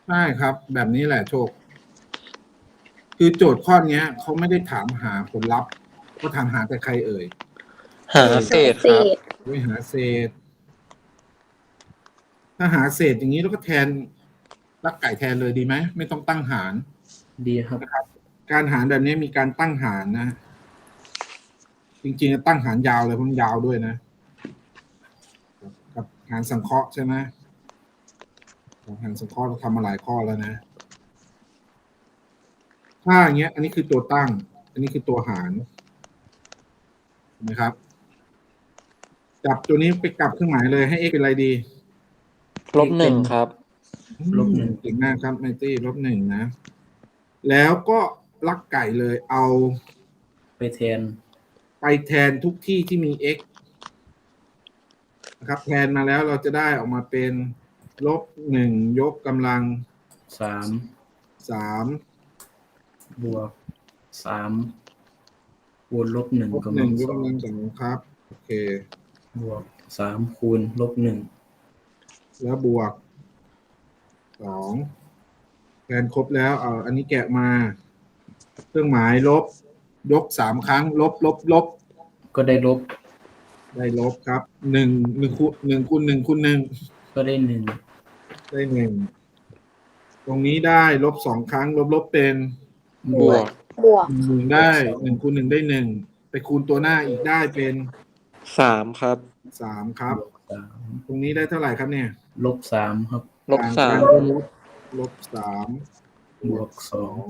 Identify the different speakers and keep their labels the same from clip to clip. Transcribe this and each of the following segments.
Speaker 1: ใช่ครับ แบบนี้แหละโชค คือโจทย์ข้อเนี้ยเขาไม่ได้ถามหาผลลัพธ์เขาถามหาแต่ใครเอ่ย
Speaker 2: หาเศษครับ
Speaker 1: ไม่หาเศษ ถ้าหาเศษอย่างนี้แล้วก็แทนลักไก่แทนเลยดีไหมไม่ต้องตั้งหาร
Speaker 3: ดีครับ
Speaker 1: นะครับ การหารแบบนี้มีการตั้งหารนะ จริงๆตั้งหารยาวเลยเพราะมันยาวด้วยนะกับหารสังเคราะห์ใช่ไหมหารสังเคราะห์เราทำมาหลายข้อแล้วนะถ้าอย่างเงี้ย อันนี้คือตัวตั้ง อันนี้คือตัวหารเห็นไหมครับจับตัวนี้ไปกลับเครื่องหมายเลยให้ x เป็นอะไรดี
Speaker 2: -1 ครับ
Speaker 1: เก่งมากครับไมตี้-1นะแล้วก็ลักไก่เลยเอา
Speaker 3: ไปแทน
Speaker 1: ทุกที่ที่มี x นะครับแทนมาแล้วเราจะได้ออกมาเป็น-1 ยกกำลัง 3
Speaker 3: บวก 3 คูณ-1 กำลัง
Speaker 1: -1 ยกกำลัง 2ครับโอเค
Speaker 3: บวก 3 คูณ-1
Speaker 1: แล้วบวก 2แทนครบแล้วเอาอันนี้แกะมาเครื่องหมายลบยก3ครั้งลบ
Speaker 3: ก็ได้ลบ
Speaker 1: ครับ1คูณ1คูณ1
Speaker 3: ก็ได้1
Speaker 1: ได้1ตรงนี้ได้-2ครั้งลบเป็น
Speaker 2: บวก
Speaker 1: 1ได้1คูณ1ได้1ไปคูณตัวหน้าอีกได้เป็น
Speaker 2: 3 ครับ
Speaker 1: 3ครับ
Speaker 3: บวก 3
Speaker 1: ตรงนี้ได้เท่าไหร่ครับเนี่ย
Speaker 3: -3 ครับ
Speaker 2: -3
Speaker 1: -3
Speaker 3: บวก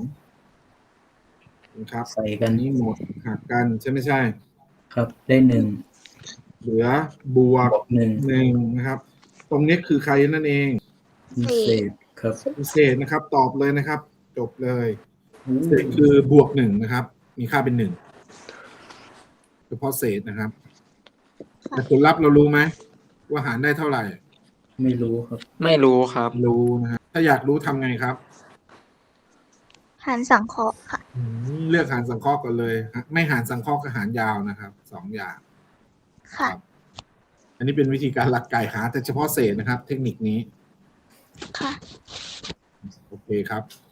Speaker 1: 2นะครับ
Speaker 3: ใส่กัน
Speaker 1: นี้หมดหักกันใช่ไม่ใช่
Speaker 3: ครับได้1
Speaker 1: เหลือบวก1นะครับ ตรงนี้คือใครนั่นเอง
Speaker 3: เศษครับ
Speaker 1: เศษนะครับตอบเลยนะครับ จบเลยเศษคือบวก1นะครับ มีค่าเป็น1เฉพาะเศษนะครับแต่ผลลัพธ์เรารู้ไหมว่าหารได้เท่าไหร่
Speaker 3: ไม่รู้ครับ
Speaker 2: ไม่รู้ครับ
Speaker 1: รู้นะฮะถ้าอยากรู้ทำไงครับ
Speaker 4: หารสังเคราะห์ค่ะ
Speaker 1: เลือกหารสังเคราะห์ก่อนเลยไม่หารสังเคราะห์ก็หารยาวนะครับ2อย่าง
Speaker 4: ค่ะ
Speaker 1: อันนี้เป็นวิธีการลักไก่หาแต่เฉพาะเศษนะครับ เทคนิคนี้
Speaker 4: ค่ะ
Speaker 1: โอเคครับ